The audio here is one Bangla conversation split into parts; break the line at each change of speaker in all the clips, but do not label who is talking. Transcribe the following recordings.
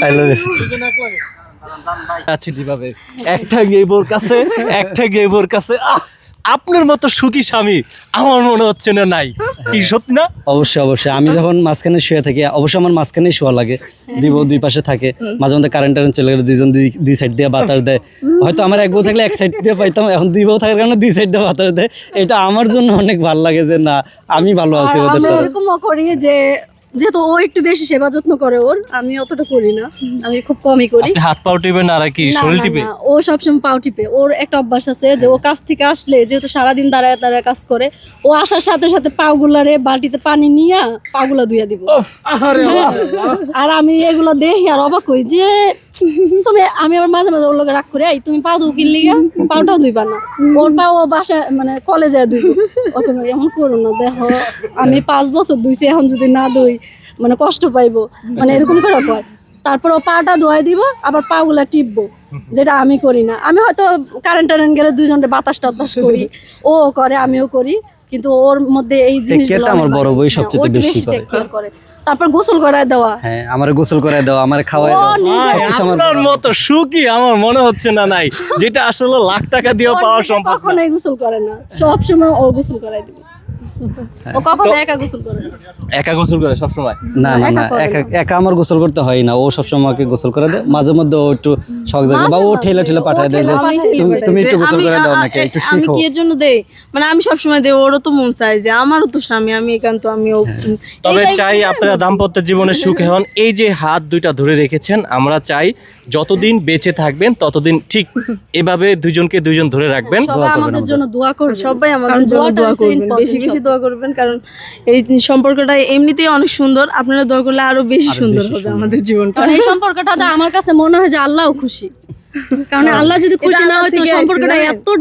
I love you.
আচ্ছা কিভাবে একটা গেবোর কাছে আপনার মতো সুখী স্বামী আমার মনে হচ্ছে না নাই, কি সত্যি না?
অবশ্যই আমি যখন মাঝখানে শুয়ে থাকি, অবশ্যই আমার মাঝখানেই শোয়া লাগে, দুই পাশে থাকে, মাঝে মধ্যে কারেন্ট চলে গেলে দুইজন দুই সাইড দিয়ে বাতাস দেয়। হয়তো আমার এক বউ থাকলে এক সাইড দিয়ে পাইতাম, এখন দুই বউ থাকার কারণে দুই সাইড দিয়ে বাতাস দেয়। এটা আমার জন্য অনেক ভালো লাগে যে না আমি ভালো আছি ওদের
আমরা
দ্বারা।
এরকমও করি যে যেহেতু ও একটু বেশি সেবা যত্ন করে ওর, আমি অতটা করি না, আমি খুব কমই করি।
আপনি হাত পাও টিপেন আর কি
না,
শরীর
না,
টিপে?
না, ও সবসময় পাও টিপে। ওর একটা অভ্যাস আছে যে ও কাজ থেকে আসলে, যেহেতু সারাদিন দাঁড়ায় দাঁড়ায় কাজ করে, ও আসার সাথে সাথে পাগুলারে বালতিতে পানি নিয়ে পাগুলা ধুইয়া দিব। হ্যাঁ। আর আমি এগুলো দেখি আর অবাক হই যে আমি আবার মাঝে মাঝে ওর লোক রাগ করে, তুমি পা ধু কিনলি, পাউটাও ধুইবা না, ওর পা ও বাসায় মানে কলেজে ধুইব। ওকে এমন করো না, দেখো আমি 5 বছর ধুইছি, এখন যদি না ধুই মানে কষ্ট পাইবো, মানে এরকম করে কয়। তারপর ও পাটা ধোয়াই দিব, আবার পা গুলা টিপবো, যেটা আমি করি না। আমি হয়তো কারেন্ট গেলে দুইজনের বাতাস টাতাস করি, ও করে আমিও করি, কিন্তু ওর মধ্যে এই জিনিসগুলো
আমার বড় বই সবচেয়ে বেশি করে।
তারপর গোসল করায় দেওয়া,
হ্যাঁ আমার গোসল করায় দাও, আমার খাওয়ায় দাও।
আপনার মতো সুখী আমার মনে হচ্ছে না নাই, যেটা আসলে লাখ টাকা দিয়েও পাওয়া সম্ভব না।
কখনোই গোসল করে না, সব সময় ও গোসল করায় দিবে। ও কখনো একা গোসল করে না।
একা গোসল করে সব সময়?
না একা আমার গোসল করতে হয় না, ও সবসময় আমাকে গোসল করে দেয়। মাঝে মধ্যে ও একটু শখ জাগে বা ও ঠেলা পাঠায় দেয় যে তুমি একটু গোসল করে দাও নাকি, একটু
আমি
শিখো।
কি এর জন্য দেই, মানে আমি সবসময় দেই, ওরও তো মন চায় যে আমারও তো স্বামী, আমি একান্ত আমিও।
তবে চাই আপনারা দাম্পত্য জীবনে সুখী হন। এই যে হাত দুইটা ধরে রেখেছেন, আমরা চাই যতদিন বেঁচে থাকবেন ততদিন ঠিক এভাবে দুইজনকে দুইজন ধরে রাখবেন।
সবাই আমাদের জন্য দোয়া করবে,
সবাই আমাদের জন্য দোয়া করবেন, বেশি বেশি দোয়া করবেন, কারণ এই সম্পর্কটা এমনিতেই অনেক সুন্দর। আপনারা দোয়া করলে আরো বেশি সুন্দর হবে আমাদের জীবনটা।
কারণ এই সম্পর্কটা আমার কাছে মনে হয় যে আল্লাহও খুশি, কারণ আল্লাহ যদি খুশি না হয়তো সম্পর্কটা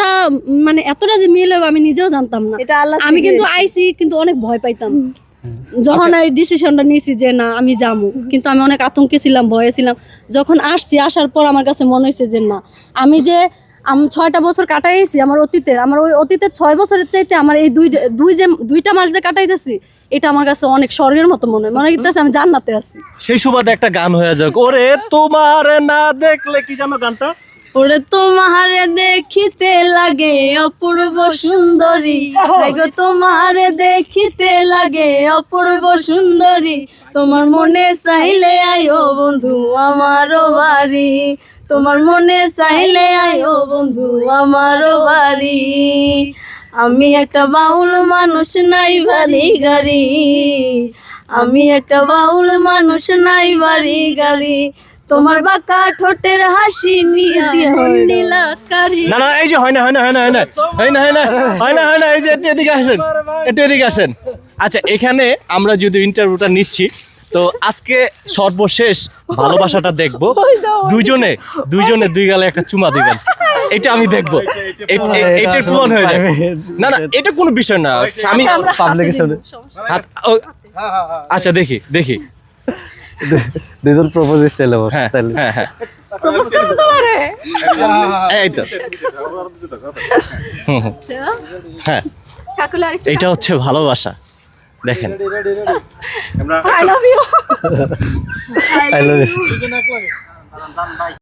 এতটা যে মিল হবে আমি নিজেও জানতাম না। আমি কিন্তু আইছি, কিন্তু অনেক ভয় পাইতাম যখন এই ডিসিশনটা নিয়েছি যে না আমি যাবো, কিন্তু আমি অনেক আতঙ্কে ছিলাম, ভয়ে ছিলাম। যখন আসার পর আমার কাছে মনে হয়েছে যে না, আমি 6টা বছর কাটাইছি আমার ওই অতীতের 6 বছরের চাইতে আমার এই দুইটা মাস যে কাটাইতেছি, এটা আমার কাছে অনেক স্বর্গের মতো মনে হইতেছে আমি জান্নাতে আছি।
সেই সুবাদে একটা গান হয়ে যাক, ওরে তোমার না দেখলে, কি জানো গানটা?
ওরে তোমারে দেখিতে লাগে অপূর্ব সুন্দরী, গো তোমারে দেখিতে লাগে অপূর্ব সুন্দরী, তোমার মনে চাইলে আইও বন্ধু আমারও বাড়ি, তোমার মনে চাইলে আইও বন্ধু আমারও বাড়ি। আমি একটা বাউল মানুষ, নাই বাড়ি গাড়ি, আমি একটা বাউল মানুষ, নাই বাড়ি গাড়ি, তোমার বাঁকা ঠোঁটের হাসি নিয়ে দিয়ে
না না, এই যে হয় না, এই যে একটু এদিকে আসেন। আচ্ছা, এখানে আমরা যদি ইন্টারভিউটা নিচ্ছি, তো আজকে সর্বশেষ ভালোবাসাটা দেখবো, দুইজনে দুই গালে একটা চুমা দিবেন, এটা আমি দেখবো। এটা প্রমাণ হয়ে যাবে। না এটা কোনো বিষয় না। আমি আচ্ছা দেখি
দুজন প্রপোজ স্টাইলে বস।
হ্যাঁ এই তো হ্যাঁ, এটা হচ্ছে ভালোবাসা। দেখেন,
I love you.
I love you.